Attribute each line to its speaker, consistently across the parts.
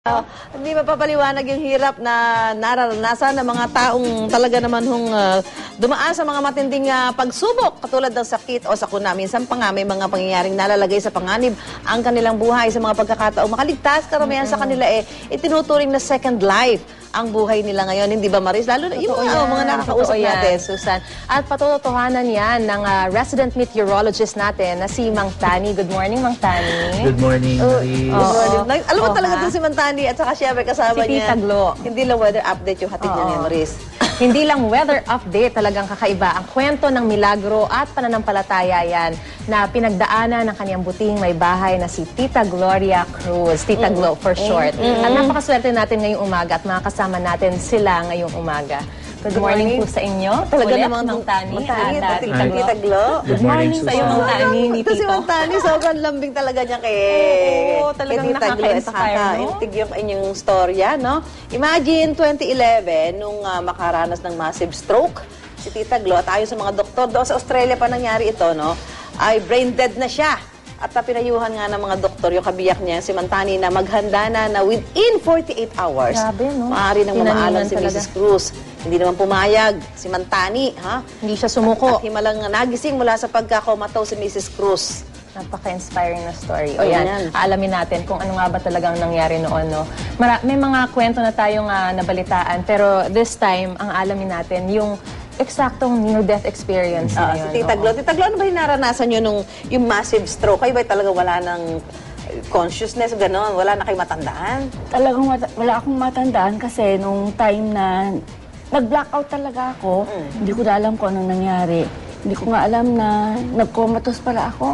Speaker 1: Hindi mapapaliwanag yung hirap na nararanasan ng mga taong talaga naman dumaan sa mga matinding pagsubok katulad ng sakit o sakuna. Minsan pa nga may mga pangyayaring nalalagay sa panganib ang kanilang buhay sa mga pagkakataong makaligtas. Karamihan sa kanila itinuturing na second life ang buhay nila ngayon. Hindi ba, Maris? Lalo na yung mga nakakausap natin, Susan.
Speaker 2: At patutuhanan yan ng resident meteorologist natin na si Mang Tani. Good morning, Mang Tani.
Speaker 3: Good morning, Maris.
Speaker 1: Alam mo talaga itong si Mantani at saka siyempre kasama
Speaker 2: si
Speaker 1: niya.
Speaker 2: Tita Glo.
Speaker 1: Hindi lang weather update yung hatid niya ni Maris.
Speaker 2: Hindi lang weather update, talagang kakaiba. Ang kwento ng milagro at pananampalataya yan na pinagdaanan ng kanyang buting may bahay na si Tita Gloria Cruz. Tita Glo for short. At napakaswerte natin ngayong umaga at mga kasama natin sila ngayong umaga. Good morning po sa inyo.
Speaker 1: Talaga
Speaker 2: ulit,
Speaker 1: namang
Speaker 2: Mang Tani at
Speaker 1: Tita Glo.
Speaker 2: Good morning sa iyo, Mang Tani, ni
Speaker 1: Ito si
Speaker 2: Tito.
Speaker 1: Mang Tani, sobrang lambing talaga niya kay
Speaker 2: talagang
Speaker 1: Tita Glo.
Speaker 2: nakaka-inspire, no?
Speaker 1: Nakaka-intig yung inyong storya, no? Imagine, 2011, nung makaranas ng massive stroke, si Tita Glo, at ayon sa mga doktor, doon sa Australia pa nangyari ito, no? Ay brain dead na siya. At pinayuhan nga ng mga doktor, yung kabiyak niya, si Mantani, na maghanda na within 48 hours.
Speaker 2: Grabe, no?
Speaker 1: Maaari nang mamaalam si
Speaker 2: talaga.
Speaker 1: Mrs. Cruz. Hindi naman pumayag si Mantani, ha?
Speaker 2: Hindi siya sumuko.
Speaker 1: At himalang nagising mula sa pagkakomataw si Mrs. Cruz.
Speaker 2: Napaka-inspiring na story. O
Speaker 1: Oo,
Speaker 2: yan,
Speaker 1: yan.
Speaker 2: aalamin natin kung ano nga ba talagang nangyari noon. No? May mga kwento na tayong nabalitaan, pero this time, ang alamin natin, yung eksaktong near-death experience na yun.
Speaker 1: Si Tita Glo. Tita Glo, ano ba yung naranasan nyo nung yung massive stroke? Kayo ba talaga wala ng consciousness, gano'n? Wala na kayo matandaan?
Speaker 4: Talagang wala akong matandaan kasi nung time na nag-blackout talaga ako, hindi ko na alam kung anong nangyari. Hindi ko nga alam na nag-comatose pala ako.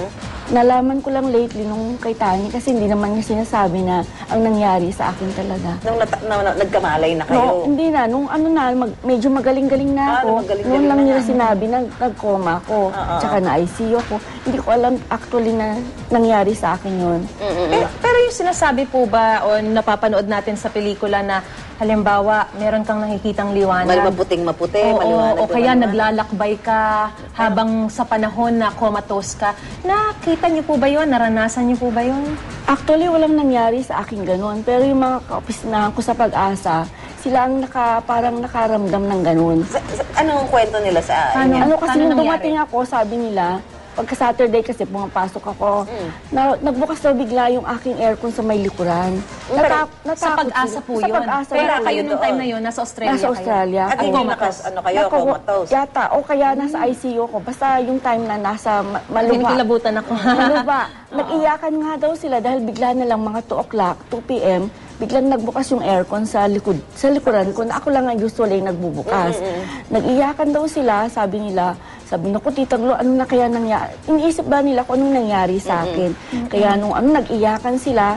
Speaker 4: Nalaman ko lang lately nung kay Tani kasi hindi naman niya sinasabi na ang nangyari sa akin talaga.
Speaker 1: Nung nagkamalay na kayo?
Speaker 4: No, hindi na. Nung medyo magaling-galing na ako. Noon lang nila sinabi na nag-coma ako. Tsaka na-ICU ako. Hindi ko alam actually na nangyari sa akin yun.
Speaker 2: Pero yung sinasabi po ba o napapanood natin sa pelikula na halimbawa, meron kang nakikitang liwanag.
Speaker 1: Maputing-maputi,
Speaker 2: Oo,
Speaker 1: maliwanag.
Speaker 2: o kaya naglalakbay ka habang sa panahon na comatose ka. Nakita niyo po ba yun? Naranasan niyo po ba yun?
Speaker 4: Actually, walang nangyari sa akin ganun. Pero yung mga kaopisinahan ko sa pag-asa, sila ang parang nakaramdam ng ganun.
Speaker 1: Anong kwento nila sa inyo?
Speaker 4: Ano kasi
Speaker 2: Paano
Speaker 4: nung
Speaker 2: nangyari?
Speaker 4: dumating ako, sabi nila, pagka Saturday kasi pumapasok ako, nagbukas daw bigla yung aking aircon sa may likuran.
Speaker 2: Sa pag-asa po
Speaker 4: Sa
Speaker 2: yun.
Speaker 4: pag-asa
Speaker 2: Pero
Speaker 4: po
Speaker 2: kayo
Speaker 4: yun.
Speaker 2: nung time na yun, nasa Australia
Speaker 4: Nasa Australia.
Speaker 1: At hindi comatose?
Speaker 4: Yata, o kaya nasa ICU ko. Basta yung time na nasa Maluba.
Speaker 2: Kinikilabutan ako.
Speaker 4: Maluba. Nag-iyakan nga daw sila dahil bigla na lang mga 2 o'clock, 2 p.m., biglang nagbukas yung aircon sa likuran ko na ako lang ang usually nagbubukas. Nag-iyakan daw sila, sabi ko, Tita Glo, ano na kaya nangyari? Iniisip ba nila kung anong nangyari sa akin? Kaya nung nag-iyakan sila,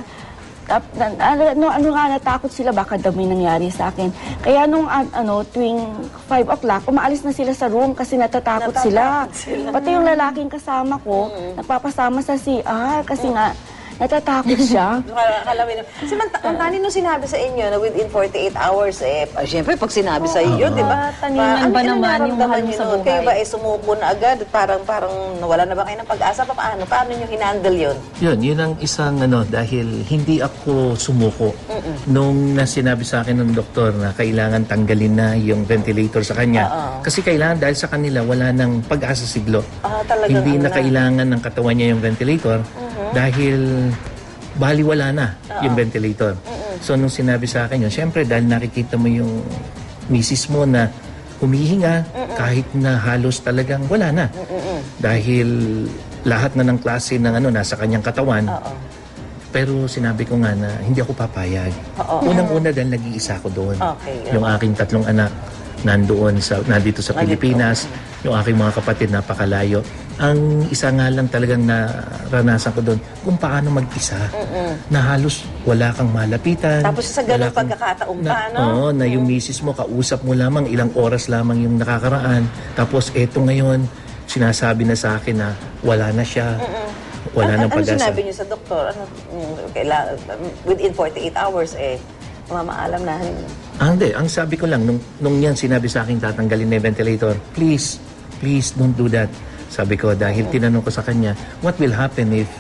Speaker 4: natakot sila baka daw may nangyari sa akin. Kaya nung tuwing 5 o'clock, umaalis na sila sa room kasi natatakot sila. Pati yung lalaking kasama ko, nagpapasama sa CR kasi nga natatakot siya.
Speaker 1: Si Mantani, nung sinabi sa inyo na within 48 hours, siyempre pag sinabi sa iyo, di ba?
Speaker 2: Taningan ba naman yung mahal mo sa buhay?
Speaker 1: Kayo ba sumuko na agad? Parang nawala na ba kayo ng pag-asa? Paano nyo hinandle yun?
Speaker 3: Yun ang isang dahil hindi ako sumuko. Nung sinabi sa akin ng doktor na kailangan tanggalin na yung ventilator sa kanya. Kasi kailangan dahil sa kanila wala nang pag-asa si Glo. Hindi na kailangan ng katawan niya yung ventilator dahil baliwala na yung ventilator. So nung sinabi sa akin yun, syempre dahil nakikita mo yung misis mo na humihinga kahit na halos talagang wala na. Dahil lahat na ng klase ng nasa kanyang katawan. Pero sinabi ko nga na hindi ako papayag. Unang-una dahil nag-iisa ako doon. Yung aking 3 anak nandito sa Pilipinas. Yung aking mga kapatid napakalayo. Ang isa nga lang talagang naranasan ko doon kung paano mag-isa. Na halos wala kang malapitan.
Speaker 1: Tapos sa ganung pagkakataon pa, no?
Speaker 3: Oo, na yung misis mo, kausap mo lamang, ilang oras lamang yung nakakaraan. Tapos eto ngayon, sinasabi na sa akin na wala na siya. Wala nang pag-asa.
Speaker 1: Ano sinabi niyo sa doktor? Within 48 hours, mamaalam na.
Speaker 3: Hindi. Ang sabi ko lang, nung yan sinabi sa akin tatanggalin na yung ventilator, please don't do that. Sabi ko, dahil tinanong ko sa kanya, what will happen if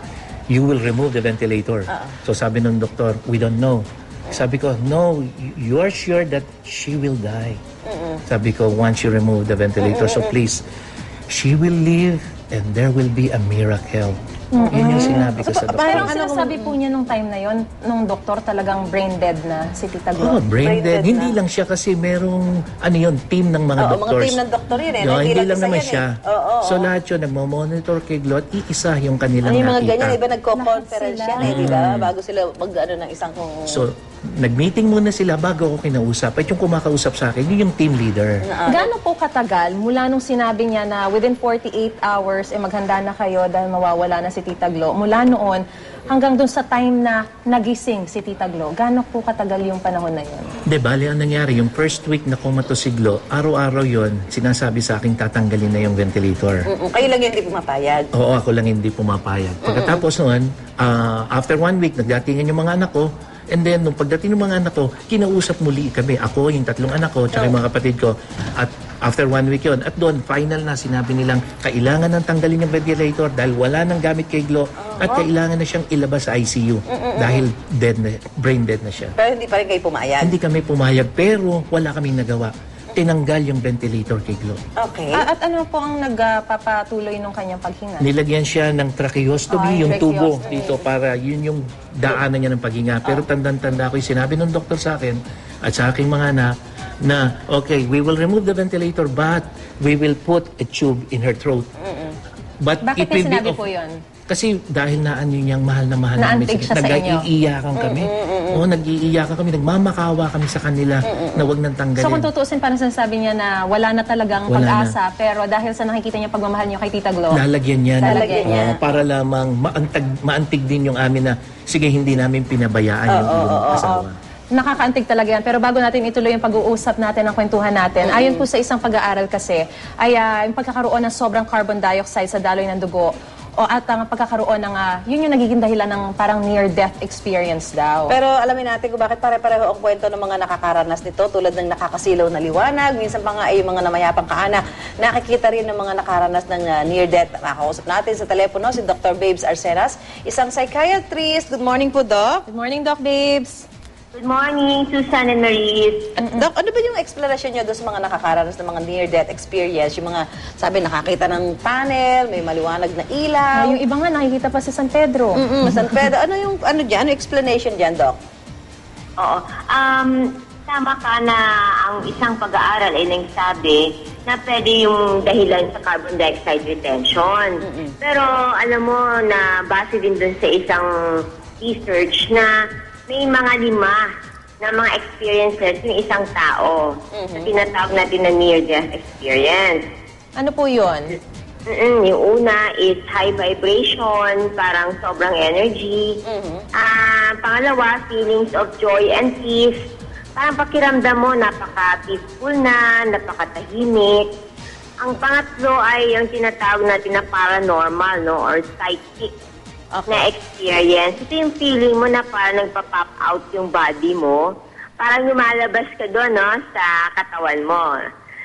Speaker 3: you will remove the ventilator. So sabi ng doktor, we don't know. Sabi ko, no, you are sure that she will die. Sabi ko, once you remove the ventilator, so please, she will live and there will be a miracle. Yun yung sinabi ko sa doktor.
Speaker 2: Pero sinasabi po niya nung time na yon, nung doktor talagang brain dead na si Tita Glo.
Speaker 3: Oh, brain dead. Hindi lang siya kasi merong, team ng mga doctors.
Speaker 1: Mga team ng doktor yun
Speaker 3: No, hindi lang naman
Speaker 1: isa
Speaker 3: siya.
Speaker 1: yan eh.
Speaker 3: So lahat yun, nagmo-monitor kay Glo at iisa yung kanilang
Speaker 1: Yung mga
Speaker 3: nakita.
Speaker 1: ganyan, iba nagko-conference yan di ba? Bago sila mag-ano ng isang
Speaker 3: So, nag-meeting muna sila bago ako kinausap. At yung kumakausap sa akin, yun yung team leader.
Speaker 2: Gaano po katagal mula nung sinabi niya na within 48 hours maghanda na kayo dahil mawawala na si Tita Glo? Mula noon hanggang dun sa time na nagising si Tita Glo, gaano po katagal yung panahon na yun?
Speaker 3: De, bali ang nangyari, yung first week na kumato si Glo, araw-araw yon sinasabi sa akin tatanggalin na yung ventilator.
Speaker 1: Kayo lang yung hindi pumapayag.
Speaker 3: Oo, ako lang hindi pumapayag. Pagkatapos noon, after 1 week, nagdatingan yung mga anak ko. And then, nung pagdating ng mga anak ko, kinausap muli kami. Ako, yung 3 anak ko, tsaka yung mga kapatid ko. At after 1 week yon, at doon, final na sinabi nilang kailangan nang tanggalin yung ventilator dahil wala nang gamit kay Glo at kailangan na siyang ilabas sa ICU dahil dead na, brain dead na siya.
Speaker 1: Pero hindi pa rin kayo pumayag.
Speaker 3: Hindi kami pumayag, pero wala kaming nagawa. Tinanggal yung ventilator kay Glo.
Speaker 1: Okay.
Speaker 2: At ano po ang nagpapatuloy nung kanyang paghinga?
Speaker 3: Nilagyan siya ng tracheostomy, yung tubo
Speaker 2: tracheostomy.
Speaker 3: dito para yun yung daanan niya ng paghinga. Pero tandang-tanda ko, sinabi ng doktor sa akin at sa aking mga anak na, okay, we will remove the ventilator but we will put a tube in her throat. But
Speaker 2: Bakit
Speaker 3: it will
Speaker 2: niya sinabi
Speaker 3: be
Speaker 2: po yun?
Speaker 3: Kasi dahil naan yun niyang mahal na mahal
Speaker 2: Naantig siya sa inyo.
Speaker 3: nag-iiyakan kami. Oo, nag-iiyakan kami. Nagmamakawa kami sa kanila na wag nang tanggalin.
Speaker 2: So kung tutuusin, parang sinasabi niya na wala na talagang
Speaker 3: Wala
Speaker 2: pag-asa, pero dahil sa nakikita niya pagmamahal niyo kay Tita Glo,
Speaker 3: Lalagyan niya.
Speaker 2: Lalagyan niya.
Speaker 3: Para lamang maantig din yung amin na, sige, hindi namin pinabayaan yung iyong asawa.
Speaker 2: nakakaantig talaga yan. Pero bago natin ituloy yung pag-uusap natin, ang kwentuhan natin, ayon po sa isang pag-aaral kasi, ay yung pagkakaroon ng sobrang carbon dioxide sa daloy ng dugo, at ang pagkakaroon ng, yun yung nagiging dahilan ng parang near-death experience daw.
Speaker 1: Pero alamin natin kung bakit pare-pareho ang kwento ng mga nakakaranas nito tulad ng nakakasilaw na liwanag. Minsan pa nga ay yung mga namayapang kaanak. Nakikita rin ng mga nakaranas ng near-death. Makakausap natin sa telepono si Dr. Babes Arceras, isang psychiatrist. Good morning po, Doc.
Speaker 2: Good morning, Doc Babes.
Speaker 5: Good morning, Susan and Maris.
Speaker 1: Doc, ano ba yung explanation nyo doon sa mga nakakaranas ng mga near-death experience? Yung mga, sabi, nakakita ng tunnel, may maliwanag na ilaw.
Speaker 2: Yung iba nga nakikita pa sa San Pedro.
Speaker 1: San Pedro. Ano yung, ano explanation dyan, Doc?
Speaker 5: Oo. Tama ka na ang isang pag-aaral ay nagsabi na pwede yung dahilan sa carbon dioxide retention. Pero alam mo na base din dun sa isang research na may mga 5 na mga experiences ng isang tao na tinatawag natin na near-death experience.
Speaker 2: Ano po yun?
Speaker 5: Yung una is high vibration, parang sobrang energy. Pangalawa, feelings of joy and peace. Parang pakiramdam mo, napaka-peaceful na, napakatahimik. Ang pangatlo ay yung tinatawag natin na paranormal, no, or psychic na experience. Ito yung feeling mo na parang nagpa-pop out yung body mo. Parang lumalabas ka doon, no, sa katawan mo.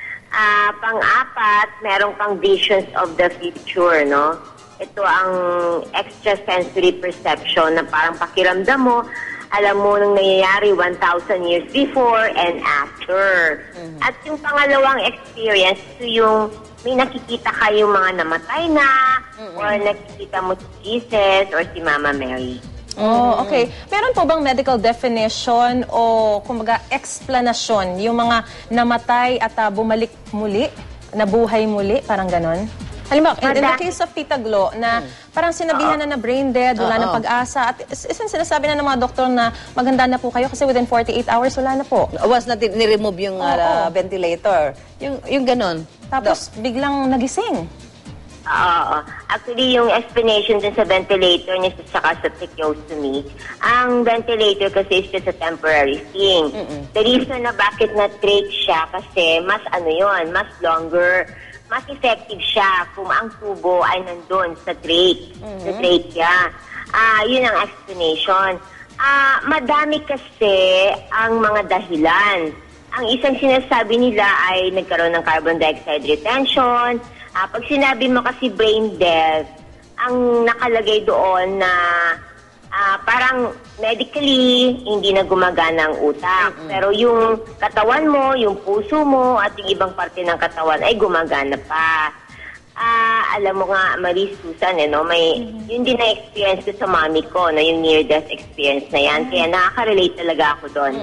Speaker 5: Pang-apat, meron kang visions of the future, no? Ito ang extrasensory perception na parang pakiramdam mo, alam mo nung nangyayari 1,000 years before and after. At yung pangalawang experience, ito yung may nakikita kayong mga namatay na or nakikita mo si Jesus or si Mama Mary.
Speaker 2: Oh, okay. Meron po bang medical definition o kumbaga explanation yung mga namatay at bumalik muli, nabuhay muli, parang ganon? Halimbawa, in the case of Tita Glo, na parang sinabihan na brain dead, wala na pag-asa, at isang sinasabi na ng mga doktor na maganda na po kayo kasi within 48 hours, wala na po.
Speaker 1: Was na ni-remove yung ventilator. Yung ganon.
Speaker 2: Tapos biglang nagising.
Speaker 5: Oo. Actually, yung explanation din sa ventilator niya saka sa tracheostomy, ang ventilator kasi is just a temporary thing. The reason na bakit na-trach siya kasi mas mas longer, mas effective siya kung ang tubo ay nandun sa trach, sa trachea. Yun ang explanation. Madami kasi ang mga dahilan. Ang isang sinasabi nila ay nagkaroon ng carbon dioxide retention. Pag sinabi mo kasi brain death, ang nakalagay doon na parang medically hindi na gumagana ang utak. Pero yung katawan mo, yung puso mo, at yung ibang parte ng katawan ay gumagana pa. Alam mo nga, Marie Susan, yun din na-experience ko sa mami ko, yung near-death experience na yan. Kaya nakaka-relate talaga ako doon.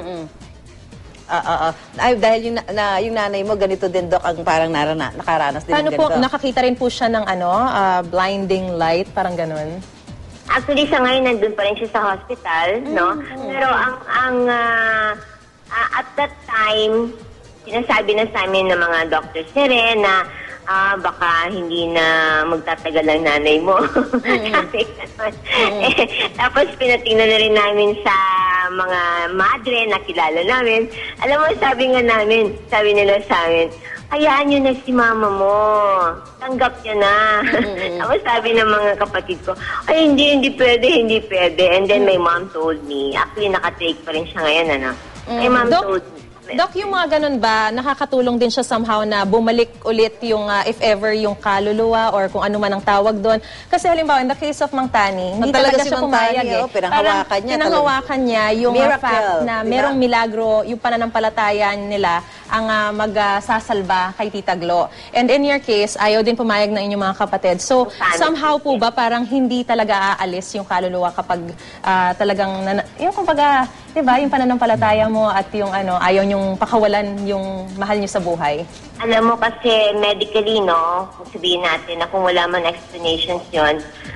Speaker 1: Ay, dahil yung nanay mo, ganito din, Doc, ang parang nakaranas din
Speaker 2: Paano
Speaker 1: ng
Speaker 2: po,
Speaker 1: ganito.
Speaker 2: nakakita rin po siya ng blinding light, parang ganun?
Speaker 5: Actually, sa ngayon, nandun pa rin siya sa hospital, no? Pero at that time, sinasabi na sa amin ng mga doctors niya rin na baka hindi na magtatagal ang nanay mo. Sabi naman. Tapos pinatingnan na rin namin sa mga madre na kilala namin. Alam mo, sabi nila sa amin, hayaan nyo na si mama mo. Tanggap niya na. Tapos sabi ng mga kapatid ko, ay hindi pwede. And then my mom told me, actually naka-take pa rin siya ngayon, My mom told me.
Speaker 2: Doc, yung mga ganun ba, nakakatulong din siya somehow na bumalik ulit yung, if ever, yung kaluluwa or kung ano man ang tawag doon? Kasi halimbawa, in the case of Mang Tani, hindi
Speaker 1: talaga
Speaker 2: talaga
Speaker 1: si
Speaker 2: siya
Speaker 1: Mang
Speaker 2: pumayag
Speaker 1: Tani, pinanghawakan niya.
Speaker 2: Pinanghawakan niya yung
Speaker 1: Miracle,
Speaker 2: fact na
Speaker 1: diba?
Speaker 2: merong milagro, yung pananampalataya nila ang magsasalba kay Tita Glo. And in your case, ayaw din pumayag ng inyong mga kapatid. So, somehow po ba parang hindi talaga aalis yung kaluluwa kapag talagang, yung kumbaga, diba, yung pananampalataya mo at yung ayaw niyong pakawalan yung mahal niyo sa buhay?
Speaker 5: Alam mo kasi medically, kung sabihin natin na kung wala man explanations yun,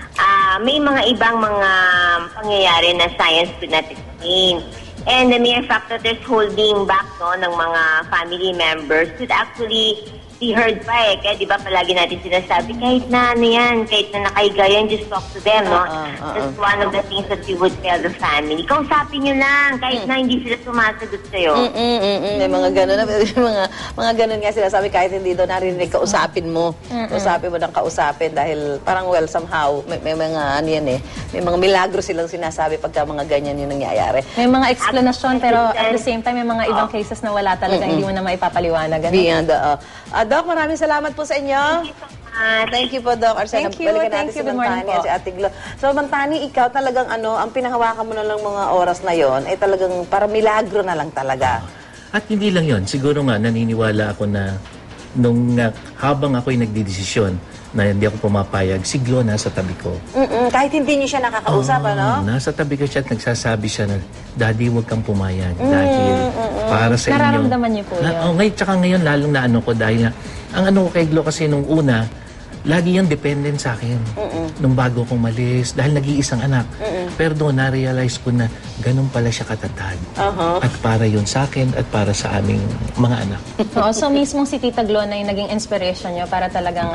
Speaker 5: may mga ibang mga pangyayari na science could not explain. And the mere fact that there's holding back ng mga family members could actually be heard pa Kaya di ba palagi natin sinasabi, kahit na kahit na nakahiga yan, just talk to them, That's one of the things that we would tell the family. Kausapin nyo lang, kahit na hindi sila sumasagot sa'yo.
Speaker 1: May mga gano'n na, mga gano'n nga sila sabi, kahit hindi daw narinig, kausapin mo. Kausapin mo ng kausapin dahil parang somehow, may mga may mga milagro silang sinasabi pagka mga ganyan yung nangyayari.
Speaker 2: May mga explanation pero at the same time may mga ibang cases na wala talaga, hindi mo na maipapaliwanag.
Speaker 1: Beyond, Doc, maraming salamat po sa inyo. Thank you po, Doc Arsena.
Speaker 2: Thank you.
Speaker 1: Balikan natin
Speaker 2: Thank you.
Speaker 1: si
Speaker 2: Good morning
Speaker 1: Mantani at
Speaker 2: po.
Speaker 1: si Ate Glo. So, Mantani, ikaw talagang ang pinanghawakan mo na lang mga oras na yon ay talagang para milagro na lang talaga.
Speaker 3: At hindi lang yon, siguro nga naniniwala ako na nung habang ako'y nagdidesisyon na hindi ako pumapayag, si Glo nasa tabi ko.
Speaker 1: Kahit hindi niyo siya nakakausap,
Speaker 3: Nasa tabi ko siya at nagsasabi siya na, Daddy, huwag kang pumayag dahil para sa inyo.
Speaker 2: Nararamdaman niyo po yun.
Speaker 3: Ngayon, tsaka ngayon, lalong na ko dahil ang ko kay Glo kasi nung una, lagi yung dependent sa akin. Nung bago kong malis, dahil nag-iisang anak. Pero doon, na-realize ko na ganun pala siya katatag. At para yun sa akin at para sa aming mga anak.
Speaker 2: So mismong si Tita Glo na yung naging inspiration niyo para talagang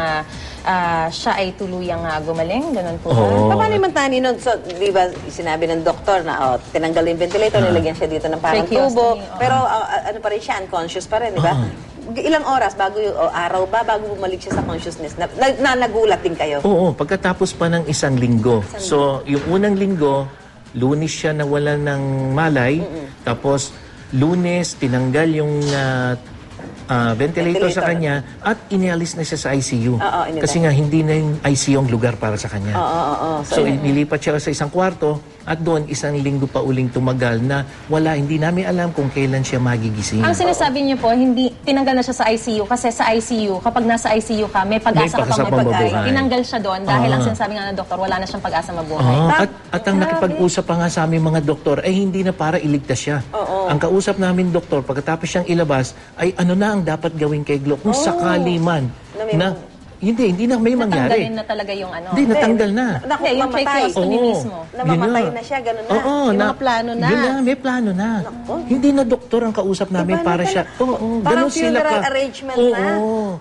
Speaker 2: siya ay tuluyang gumaling, ganun po ba?
Speaker 3: Oo.
Speaker 1: Paano yung Mantani nun? So, di ba, sinabi ng doktor na tinanggal yung ventilator, nilagyan siya dito ng parang tubo.
Speaker 2: Tracheostomy,
Speaker 1: Pero ano pa rin siya, unconscious pa rin, di ba? Ilang oras bago araw ba, bago bumalik siya sa consciousness? Nagulat din kayo?
Speaker 3: Oo, pagkatapos pa ng isang linggo. So, yung unang linggo, Lunes siya nawala ng malay. Tapos, Lunes, tinanggal yung ventilator sa kanya at inialis na siya sa ICU. Kasi nga, hindi na yung ICU ang lugar para sa kanya. So, nilipat siya sa isang kwarto at doon, isang linggo pa uling tumagal na hindi namin alam kung kailan siya magigising.
Speaker 2: Ang sinasabi niyo po, hindi tinanggal na siya sa ICU kasi sa ICU, kapag nasa ICU ka, may pag-asa ka pang mabuhay. Tinanggal siya doon dahil ang sinasabi nga ng doktor, wala na siyang pag-asa mabuhay.
Speaker 3: At ang nakipag-usap pa nga sa aming mga doktor ay hindi na para iligtas siya. Ang kausap namin doktor, pagkatapos siyang ilabas, ay ano na ang dapat gawin kay Glo kung sakali man na hindi na may mangyari.
Speaker 2: Natanggalin na talaga yung
Speaker 3: Hindi, natanggal na.
Speaker 2: Hindi, yung tracheostomy mismo.
Speaker 1: Namamatay na siya, gano'n na. May mga plano na.
Speaker 3: Yun na, may plano na. Hindi na doktor ang kausap namin para siya.
Speaker 1: Parang funeral arrangement na.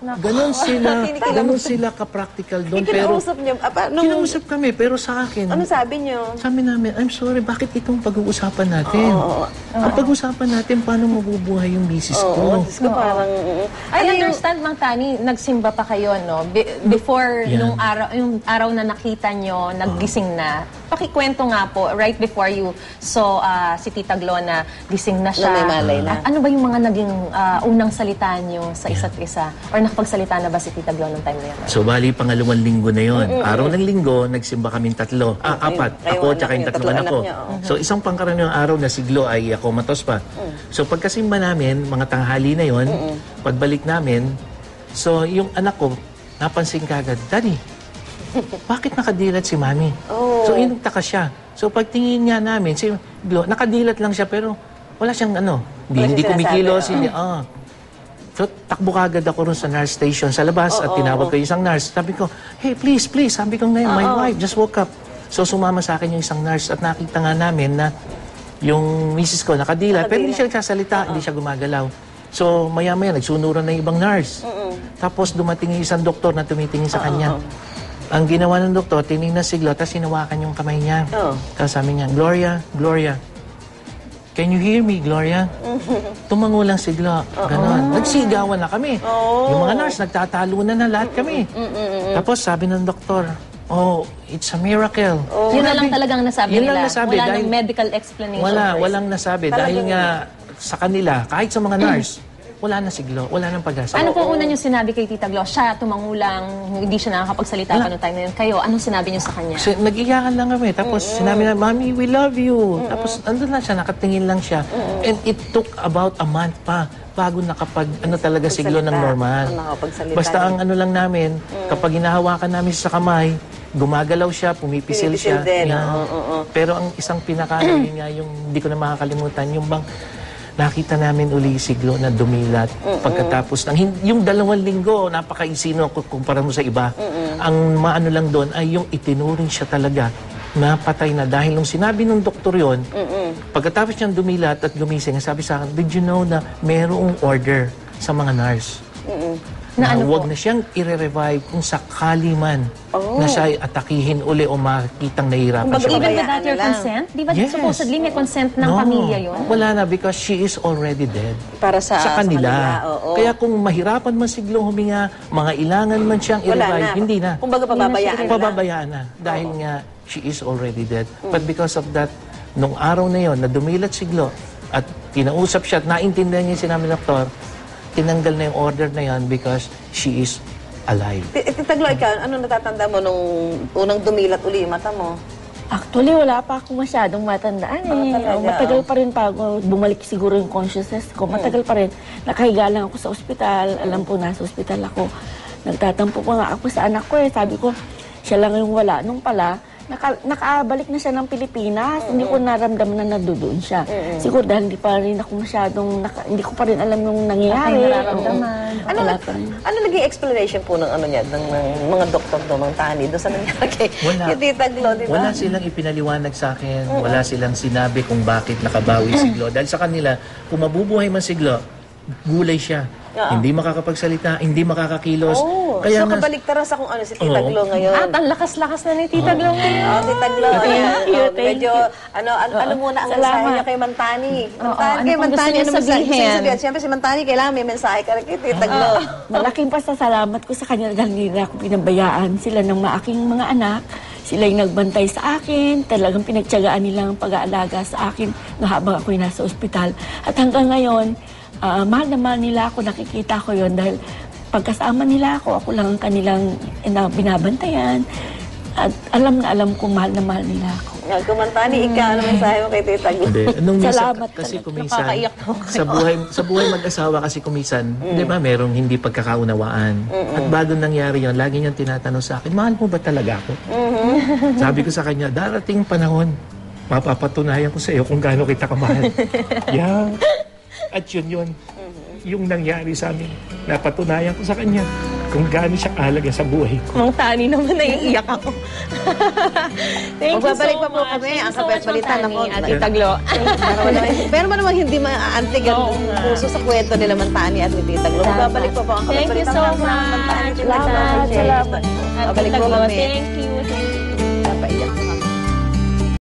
Speaker 3: Ganon sila ka-practical doon.
Speaker 1: Kinausap niyo?
Speaker 3: Kinausap kami, pero sa akin,
Speaker 1: Ano sabi niyo?
Speaker 3: sabi namin, I'm sorry, bakit itong pag-uusapan natin? Ang pag-uusapan natin, paano mabubuhay yung misis ko?
Speaker 1: Diyos ko, parang...
Speaker 2: I understand, Mang Tani, nagsimba pa kayo, no? before
Speaker 3: Yeah.
Speaker 2: yung araw na nakita nyo, naggising na. Pakikwento nga po, right before you saw si Tita Glo na gising na siya.
Speaker 1: Na may malay na.
Speaker 2: At ano ba yung mga naging unang salita nyo sa isa't isa? Or nakapagsalita na ba si Tita Glo nung time na yun?
Speaker 3: So, bali, pangalawang linggo na yon. Araw ng linggo, nagsimba kaming tatlo. Apat.
Speaker 1: Kayo,
Speaker 3: Ako,
Speaker 1: anak
Speaker 3: tsaka yung
Speaker 1: niyo,
Speaker 3: tatlong
Speaker 1: tatlong
Speaker 3: anak ko.
Speaker 1: anak niyo,
Speaker 3: So, isang pangkaraniwang araw na siglo ay ako matos pa. So, pagkasimba namin, mga tanghali na yon, pagbalik namin, so, yung anak ko, napansin kagad, Daddy, bakit nakadilat si Mami? So, inagtaka siya. So, pagtingin niya namin, si Glo, nakadilat lang siya, pero wala siyang hindi
Speaker 1: siyang
Speaker 3: kumikilos,
Speaker 1: sinasabi,
Speaker 3: hindi, So, takbo kagad ako rin sa nurse station sa labas at tinawag ko yung isang nurse. Sabi ko, hey, please, sabi ko ngayon, my wife just woke up. So, sumama sa akin yung isang nurse at nakita nga namin na yung misis ko nakadilat, pero hindi siya nagsasalita, hindi siya gumagalaw. So, maya-maya, nagsunuran na yung ibang nurse. Tapos, dumating yung isang doktor na tumitingin sa kanya. Ang ginawa ng doktor, tinignan si Glo, tapos hinawakan yung kamay niya. Tapos sabi niya, Gloria, can you hear me, Gloria? Tumango lang si Glo. Ganon. Nagsigawan na kami. Yung mga nurse, nagtatalunan na lahat kami. Tapos sabi ng doktor, it's a miracle.
Speaker 2: Yun na lang talagang nasabi
Speaker 3: Yun
Speaker 2: nila.
Speaker 3: lang nasabi,
Speaker 2: Wala
Speaker 3: dahil-
Speaker 2: nang medical explanation.
Speaker 3: Walang nasabi. Dahil nga sa kanila, kahit sa mga nurse, wala na si Glo, wala nang pag-asa.
Speaker 2: Ano po una niyo sinabi kay Tita Glo? Siya, tumangulang, hindi siya nakakapagsalita pa noong time na yun. Kayo, anong sinabi niyo sa kanya?
Speaker 3: Kasi nag-iyakan lang kami. Tapos sinabi na, Mami, we love you. Tapos andun lang siya, nakatingin lang siya. And it took about a month pa bago talaga si Glo ng normal.
Speaker 1: Nakapagsalita.
Speaker 3: Basta ang lang namin, kapag hinahawakan namin siya sa kamay, gumagalaw siya, pumipisil siya.
Speaker 1: din,
Speaker 3: Yeah. Pero ang isang yun nga, yung hindi ko na makakalimutan, yung bang nakita namin uli si Glo na dumilat pagkatapos ng yung 2 linggo, napakaisino kumpara mo sa iba. Ang maano lang doon ay yung itinuring siya talaga na patay na dahil nung sinabi ng doktor yon, pagkatapos niyang dumilat at gumising, sabi sa akin, did you know na merong order sa mga nurse?
Speaker 2: Na ano
Speaker 3: huwag
Speaker 2: po?
Speaker 3: na siyang i-revive kung sakali man na siya ay atakihin uli o makikitang nahihirapan
Speaker 1: Kumbaga,
Speaker 3: siya.
Speaker 2: Even
Speaker 1: Pabayaan
Speaker 2: without your
Speaker 1: na lang.
Speaker 2: consent? Di ba
Speaker 3: Yes.
Speaker 2: supposedly may consent ng pamilya yun?
Speaker 3: Wala na because she is already dead.
Speaker 1: Para sa
Speaker 3: kanila.
Speaker 1: oo.
Speaker 3: Kaya kung mahirapan man si Glo huminga, mga ilangan man siyang
Speaker 1: Wala
Speaker 3: i-revive,
Speaker 1: na.
Speaker 3: hindi na.
Speaker 1: Kumbaga, pababayaan na.
Speaker 3: Pababayaan na. Dahil nga, she is already dead. But because of that, nung araw na yon na dumilat si Glo at kinausap siya at naintindihan niya yung sinabi ng doktor, tinanggal na yung order na yon because she is alive.
Speaker 1: Tita Glo, ikaw, ano natatanda mo nung unang dumilat uli yung mata mo?
Speaker 4: Actually, wala pa ako masyadong matandaan eh.
Speaker 1: talaga,
Speaker 4: Matagal pa rin pa ako. Bumalik siguro yung consciousness ko. Matagal pa rin. Nakahiga lang ako sa ospital. Alam po, nasa ospital ako. Nagtatampo pa nga ako sa anak ko eh. Sabi ko, siya lang yung wala. Nung pala, nakaabalik na siya ng Pilipinas. Hindi ko naramdaman na nandoon siya. Siguro dahil hindi pa rin ako masyadong, hindi ko pa rin alam yung nangyayari.
Speaker 2: Ay, nararamdaman.
Speaker 4: Wala pa rin.
Speaker 1: Ano naging explanation po ng ng mga doktor doon, ng tani, doon sa nangyari kay Tita Glo, di ba?
Speaker 3: Wala silang ipinaliwanag sa akin. Wala silang sinabi kung bakit nakabawi si Glo. Dahil sa kanila, kung mabubuhay man si Glo, gulay siya. Hindi makakapagsalita, hindi makakakilos.
Speaker 1: So, kabaliktaran sa kung ano si Tita Glo ngayon.
Speaker 2: At ang lakas-lakas na ni Tita Glo ngayon.
Speaker 1: Tita Glo, medyo, ano muna ang mensahe niya kay Mantani.
Speaker 2: ano
Speaker 1: Kay
Speaker 2: pang
Speaker 1: Mantani,
Speaker 2: gusto niyo sabihin?
Speaker 1: Siyempre si Mantani, kailangan may mensahe ka rin kay Tita Glo.
Speaker 4: Malaking pasasalamat ko sa kanya dahil hindi na ako pinabayaan. Sila ng aking mga anak. Sila yung nagbantay sa akin. Talagang pinagtyagaan nilang pag-aalaga sa akin na habang ako'y nasa ospital. At hanggang ngayon, mahal na mahal nila ako. Nakikita ko yon dahil pagkasama nila ako lang ang kanilang binabantayan. At alam na alam kong mahal na mahal nila ako.
Speaker 1: Kung Mantani, ikaw, ano mensahe mo kay Tita Glo?
Speaker 3: Hindi. Nung minsan,
Speaker 4: Salamat
Speaker 3: kasi
Speaker 4: talaga.
Speaker 3: kuminsan,
Speaker 2: Nakakaiyak ako.
Speaker 3: sa buhay mag-asawa kasi kuminsan, di ba, merong hindi pagkakaunawaan. At bago nangyari yon, lagi niyang tinatanong sa akin, mahal mo ba talaga ako? Sabi ko sa kanya, darating panahon, mapapatunayan ko sa iyo kung gaano kita kamahal. Yeah. At yun, yung nangyari sa amin, napatunayan ko sa kanya kung gaano siya kahalaga sa buhay ko.
Speaker 2: Mang Tani naman, naiiyak ako. Thank you so
Speaker 1: Magbabalik pa po
Speaker 2: much.
Speaker 1: kami.
Speaker 2: Thank you
Speaker 1: Ang
Speaker 2: so
Speaker 1: kapit
Speaker 2: much, Mang
Speaker 1: balitan
Speaker 2: Tani
Speaker 1: ako.
Speaker 2: at Tita Glo.
Speaker 1: Pero man naman hindi maaantig ang puso sa kwento nila Mantani at ni Tita Glo. Magbabalik pa po ang kapit
Speaker 2: Thank you
Speaker 1: balitan.
Speaker 2: so
Speaker 1: Maraming
Speaker 2: much.
Speaker 1: Mantani.
Speaker 4: Salamat.
Speaker 2: At
Speaker 1: Babalik
Speaker 2: Tita
Speaker 1: po
Speaker 2: Glo,
Speaker 1: kami.
Speaker 2: thank you. Thank you.